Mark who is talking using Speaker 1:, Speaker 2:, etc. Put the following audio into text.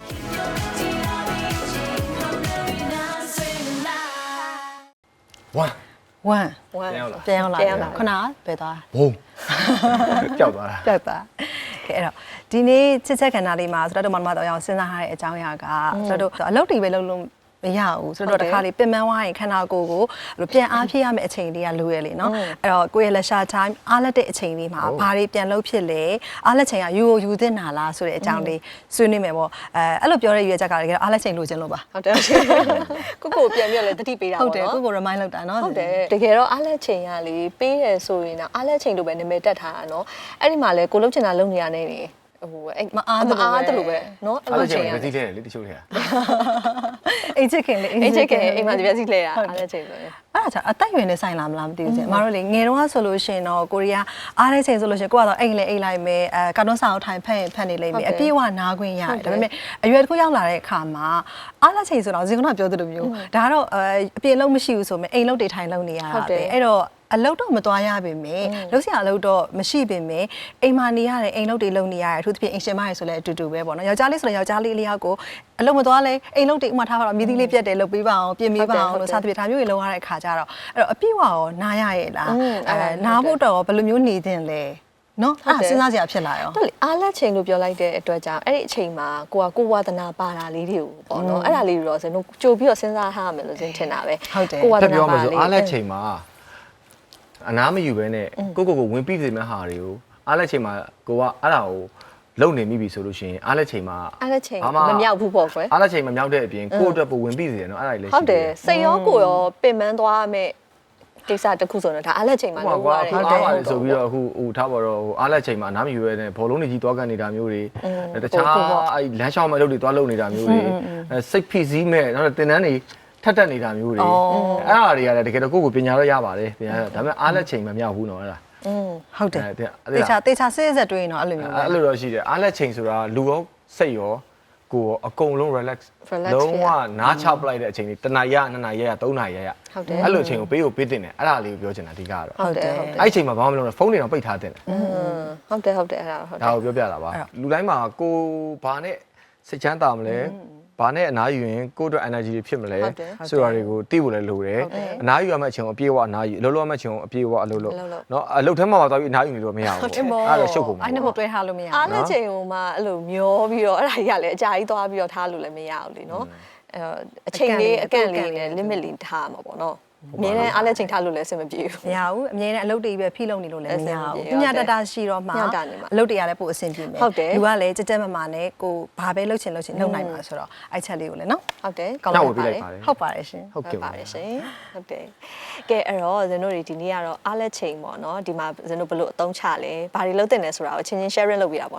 Speaker 1: 1ပြန်ရောက်လာခုနဘယ်သွား
Speaker 2: ဘုံကြောက်သွားတာ
Speaker 1: ကြောက်သွားကဲအဲ့တော့ဒီနေ့ချစ်ချက်ခန္ဓာလေးမှာဆိုတော့မမတော်အောင်စဉ်းစားရတဲ့အကြောင်းအရာကဆိုတော့အလုပ်တွေပဲလုပ်လို့မရဘူးဆိုတော့တခါလေးပင်ပန်းသွားရင်ခန္ဓာကိုယ်ကိုပြန်အားဖြည့်ရမယ့်အချိန်လေးကလိုရလေနော်အဲ့တော့ကိုယ့်ရဲ့လက်ရှာ time အားလက်တဲ့အချိန်လေးမှာဘာတွေပြန်လုပ်ဖြစ်လဲအားလက်ချိန်ကယူသင့်တာလားဆိုတဲ့အကြောင်းလေးဆွေးနွေးမယ်ပေါ့အဲ့လိုပြောတဲ့ရွေးချက်ကတကယ်အားလက်ချိန်လိုချင်လို့ပါ
Speaker 3: ဟုတ်တယ်ကိုပြန်ပြီးလည်းတတိပေးတာပေါ့နော်
Speaker 1: ဟုတ်တယ်ကို remind လုပ်တာနော်
Speaker 3: ဟုတ်တယ်တကယ်တော့အားလက်ချိန်ကလေပေးတယ်ဆိုရင်တော့အားလက်ချိန်လိုပဲနာမည်တက်ထားတာနော်အဲ့ဒီမှာလေကိုလုံးချင်တာလုံးနေရနေနေဟိုအဲ့မအားတယ်လို့ပဲเนาะ
Speaker 2: အဲ့လိုချိန်ရသိတယ်လေတချို့တွေက
Speaker 1: အိတ်ချစ်ခင်လေ
Speaker 3: အိမ်မှာဒီပြစီလဲရအားတဲ့ချိန်ဆိုရင်
Speaker 1: အဲ့ဒါအသက်ရွယ်နဲ့ဆိုင်လာမလားမသိဘူးကျမတို့လေငယ်တုန်းကဆိုလို့ရှိရင်တော့ကိုရီးယားအားတဲ့ချိန်ဆိုလို့ရှိရင်ကိုကတော့အိမ်လေအိမ်လိုက်မယ်ကာတွန်းစာအုပ်ထိုင်ဖတ်နေလိမ့်မယ်အပြည့်အဝနားခွင့်ရတယ်ဒါပေမဲ့အရွယ်တစ်ခုရောက်လာတဲ့အခါမှာအားတဲ့ချိန်ဆိုတော့ဇင်ကနာပြောသလိုမျိုးဒါကတော့အပြည့်လုံးမရှိဘူးဆိုမှအိမ်လုံးတွေထိုင်လုံးနေရတာပဲအဲ့တော့အလုပ်တော့မသွားရပါမယ်လုပ်စရာအလုပ်တော့မရှိပါမယ်အိမ်မှာနေရတယ်အိမ်လုပ်တွေလုပ်နေရတယ်အထူးသဖြင့်အိမ်ရှင်မရယ်ဆိုလဲအတူတူပဲပေါ့နော်ယောက်ျားလေးဆိုလဲယောက်ျားလေးလေးယောက်ကိုအလုပ်မသွားလဲအိမ်လုပ်တွေဥမာထားပါတော့မြည်သီးလေးပြတ်တယ်လုပ်ပေးပါအောင်ပြင်ပေးပါအောင်လို့စသဖြင့်ဒါမျိုးတွေလုပ်ရတဲ့အခါကျတော့အဲ့တော့အပြည့်ဝရောနားရရဲ့လားနားဖို့တော့ဘယ်လိုမျိုးနေသင့်လဲနော်အဲ့စဉ်းစားစရာဖြစ်လာရော
Speaker 3: ဟုတ်လေအားလက်ချိန်လို့ပြောလိုက်တဲ့အတွက်ကြောင့်အဲ့ဒီအချိန်မှာကိုဝါသနာပါတာလေးတွေကိုပေါ့နော်အဲ့ဒါလေးတွေတော့ဇင်တို့ကြိုပြီးတော့စဉ်းစားထားရမယ်လို့ဇင်ထင်တာပဲ
Speaker 1: ကို
Speaker 2: ဝါသနာပါလေးအားလက်ချိန်မှာအနားမယူဘဲနဲ့ကိုဝင်ပြီးတဲ့ဟာတွေကိုအားလက်ချိန်မှာကိုကအဲ့ဒါကိုလုံနေမိပြီဆိုလို့ရှိရင်အားလက်ချိန်မှာ
Speaker 3: မမြောက်ဘူးပေါ့ကွယ်
Speaker 2: အားလက်ချိန်မမြောက်တဲ့အပြင်ကိုအတွက်ပိုဝင်ပြီးတယ်နော်အဲ့ဒါလည်းရှိတယ်
Speaker 3: ဟုတ်တယ်စိတ်ရောကိုရောပင်ပန်းသွားမယ်ကိစ္စတစ်ခုဆိုတော့ဒါအားလက်ချိန်မှာ
Speaker 2: လုပ်ရတယ်ဟုတ်တယ်ဆိုပြီးတော့အခုထားပါတော့အားလက်ချိန်မှာအနားမယူရဲနဲ့ဘောလုံးတွေကြီးသွားကန်နေတာမျိုးတွေတခြားအဲ့လမ်းလျှောက်မဲ့လုပ်တွေသွားလုပ်နေတာမျိုးတွေစိတ်ဖိစီးမဲ့နောက်တင်တန်းတွေထက်တက်နေတာမျိုးတွေအဲ့ဒါတွေကလည်းတကယ်တော့ကိုယ့်ကိုပညာတော့ရပါတယ်ပညာဒါပေမဲ့အားလက်ချိန်မမြောက်ဘူးနော်အဲ့ဒါ
Speaker 1: ဟုတ်တယ်တေချာစစ်စစ်တွေးရင်တော့အဲ့လိုမျိုး
Speaker 2: အဲ့လိုတော့ရှိတယ်အားလက်ချိန်ဆိုတာလူရောစိတ်ရောကိုယ်အကုန်လုံး relax လုံးဝနားချပလိုက်တဲ့အချိန်လေး1နာရီ2နာရီ3နာရီအဲ့လိုအချိန်ကိုပေးတင်တယ်အဲ့ဒါလေးကိုပြောချင်တာအဓိကတော့
Speaker 3: ဟုတ်တယ်
Speaker 2: အဲ့အချိန်မှာဘာမှမလုပ်နဲ့ဖုန်းတွေတော့ပိတ်ထားတင်တယ်
Speaker 3: ဟုတ်တယ်အဲ့ဒါဟုတ်တယ်
Speaker 2: ဒါကိုပြောပြတာပါလူတိုင်းမှာကိုဘာနဲ့စိတ်ချမ်းသာမလဲဘာနဲ့အနားယူရင်ကိုယ့်အတွက် energy တွေဖြစ်မလဲဆိုတာတွေကိုသိဖို့လည်းလိုတယ်အနားယူရမယ့်အချိန်ကိုအပြည့်အဝအနားယူအလုပ်လုပ်ရမယ့်အချိန်ကိုအပြည့်အဝအလုပ်လုပ်เนาะအလုပ်ထဲမှာသွားပြီးအနားယူနေလို့မရဘူးအဲ့ဒါရှုပ်ကုန်ပါ
Speaker 1: အဲ့နှစ်ခုတွဲထားလို့မရဘူး
Speaker 3: အားလက်ချိန်ကိုမှအဲ့လိုမျောပြီးတော့အဲ့ဒါကြီးကလည်းအကြာကြီးသွားပြီးတော့ထားလို့လည်းမရဘူးလေเนาะအချိန်လေးအကန့်လေးနဲ့ limit လေးထားမှာပေါ့เนาะအမြဲတမ်းအားလက်ချိန်ထားလို့လည်းအဆင်မပြေဘူး
Speaker 1: မရဘူးအမြဲတမ်းအလုပ်တွေပဲဖိလုပ်နေလို့လည်းမရဘူးညတတာရှိတော့မှအလုပ်တွေကလည်းပို့အဆင်ပြေမယ်လူကလည်းကြက်မမာနဲ့ကိုဘာပဲလုပ်ချင်လုပ်နိုင်မှာဆိုတော့အဲ့ချက်လေးကိုလည်းနော်
Speaker 3: ဟုတ်တယ်
Speaker 2: ကောင်းပါတယ်
Speaker 1: ဟုတ်ပါတယ်ရှင်
Speaker 3: ဟုတ်ပါတယ်ရှင်ဟုတ်တယ်ကဲအဲ့တော့ဇင်တို့ဒီနေ့ကတော့အားလက်ချိန်ပေါ့နော်ဒီမှာဇင်တို့ဘယ်လိုအသုံးချလဲဘာတွေလုပ်တင်လဲဆိုတာကိုချင်းချင်း sharing လုပ်ပြတာပေါ့